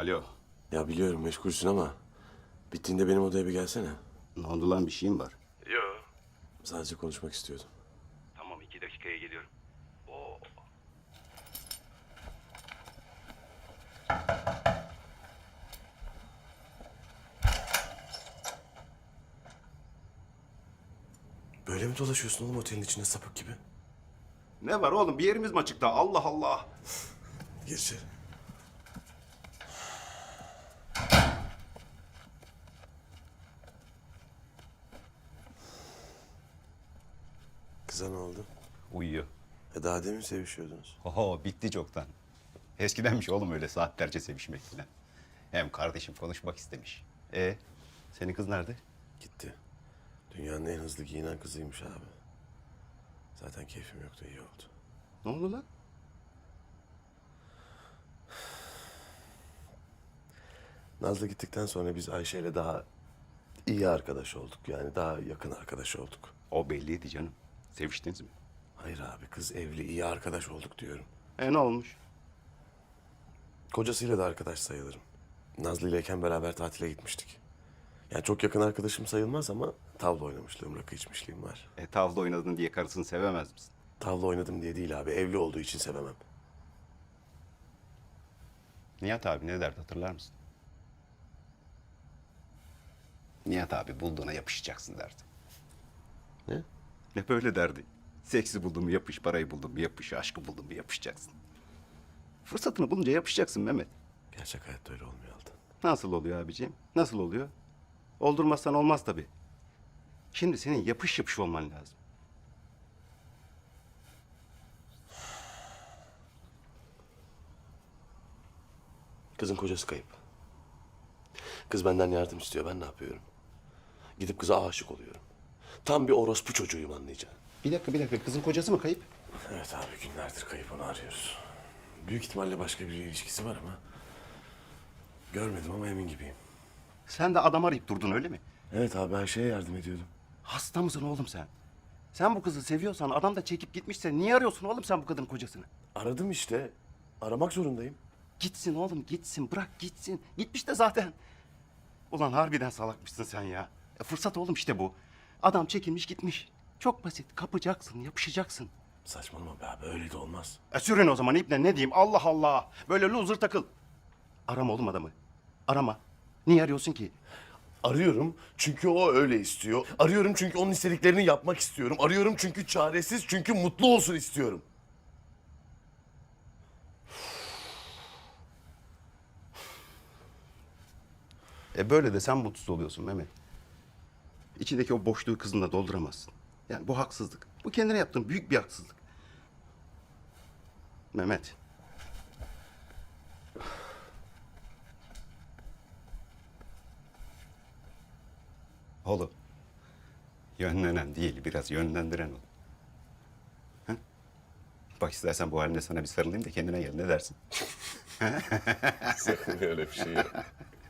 Alo. Ya biliyorum meşgulsün ama bittiğinde benim odaya bir gelsene. Ne oldu lan, bir şeyim var? Sadece konuşmak istiyordum. Tamam, 2 dakikaya geliyorum. Oo. Böyle mi dolaşıyorsun oğlum otelin içinde sapık gibi? Ne var oğlum, bir yerimiz mi açıkta? Allah Allah. Gir içeri. Kıza ne oldu? Uyuyor. Daha demin sevişiyordunuz. Oho, bitti çoktan. Eskidenmiş oğlum öyle saatlerce sevişmek falan. Hem kardeşim konuşmak istemiş. Senin kız nerede? Gitti. Dünyanın en hızlı giyinen kızıymış abi. Zaten keyfim yoktu, iyi oldu. Ne oldu lan? Nazlı gittikten sonra biz Ayşe'yle daha iyi arkadaş olduk. Yani daha yakın arkadaş olduk. O belliydi canım. Seviştiniz mi? Hayır abi, kız evli, iyi arkadaş olduk diyorum. Ne olmuş? Kocasıyla da arkadaş sayılırım. Nazlı ileyken beraber tatile gitmiştik. Yani çok yakın arkadaşım sayılmaz ama tavla oynamışlığım, rakı içmişliğim var. Tavla oynadın diye karısını sevemez misin? Tavla oynadım diye değil abi, evli olduğu için sevemem. Nihat abi ne derdi, hatırlar mısın? Nihat abi bulduğuna yapışacaksın derdi. Ne? Hep öyle derdi. Seksi buldun mu yapış, parayı buldun mu yapış, aşkı buldun mu yapışacaksın. Fırsatını bulunca yapışacaksın Mehmet. Gerçek hayatta öyle olmuyor Altan. Nasıl oluyor abiciğim? Nasıl oluyor? Oldurmazsan olmaz tabii. Şimdi senin yapış yapış olman lazım. Kızın kocası kayıp. Kız benden yardım istiyor, ben ne yapıyorum? Gidip kıza aşık oluyorum. Tam bir orospu çocuğuyum, anlayacaksın. Bir dakika. Kızın kocası mı kayıp? Evet abi, günlerdir kayıp, onu arıyoruz. Büyük ihtimalle başka bir ilişkisi var ama... Görmedim ama emin gibiyim. Sen de adam arayıp durdun öyle mi? Evet abi, her şeye yardım ediyordum. Hasta mısın oğlum sen? Sen bu kızı seviyorsan, adam da çekip gitmişse niye arıyorsun oğlum sen bu kadının kocasını? Aradım işte. Aramak zorundayım. Gitsin oğlum gitsin, bırak gitsin. Gitmiş de zaten. Ulan harbiden salakmışsın sen ya. Fırsat oğlum işte bu. Adam çekilmiş gitmiş. Çok basit, kapacaksın, yapışacaksın. Saçmalama be abi, öyle de olmaz. Sürün o zaman iple, ne diyeyim, Allah Allah. Böyle loser takıl. Arama oğlum adamı. Arama. Niye arıyorsun ki? Arıyorum çünkü o öyle istiyor. Arıyorum çünkü onun istediklerini yapmak istiyorum. Arıyorum çünkü çaresiz, çünkü mutlu olsun istiyorum. Böyle de sen mutsuz oluyorsun Mehmet. İçindeki o boşluğu kızınla dolduramazsın. Yani bu haksızlık. Bu kendine yaptığın büyük bir haksızlık. Mehmet. Oğlum. Yönlenen değil, biraz yönlendiren ol. Ha? Bak istersen bu halinde sana bir sarılayım da kendine gel, ne dersin? Sakın öyle bir şey yok.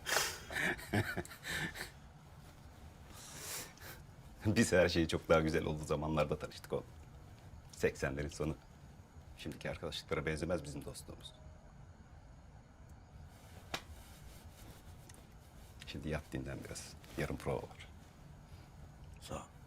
Biz her şeyi çok daha güzel olduğu zamanlarda tanıştık oğlum. 80'lerin sonu. Şimdiki arkadaşlıklara benzemez bizim dostluğumuz. Şimdi yat dinlen biraz. Yarın prova var. Sağ ol.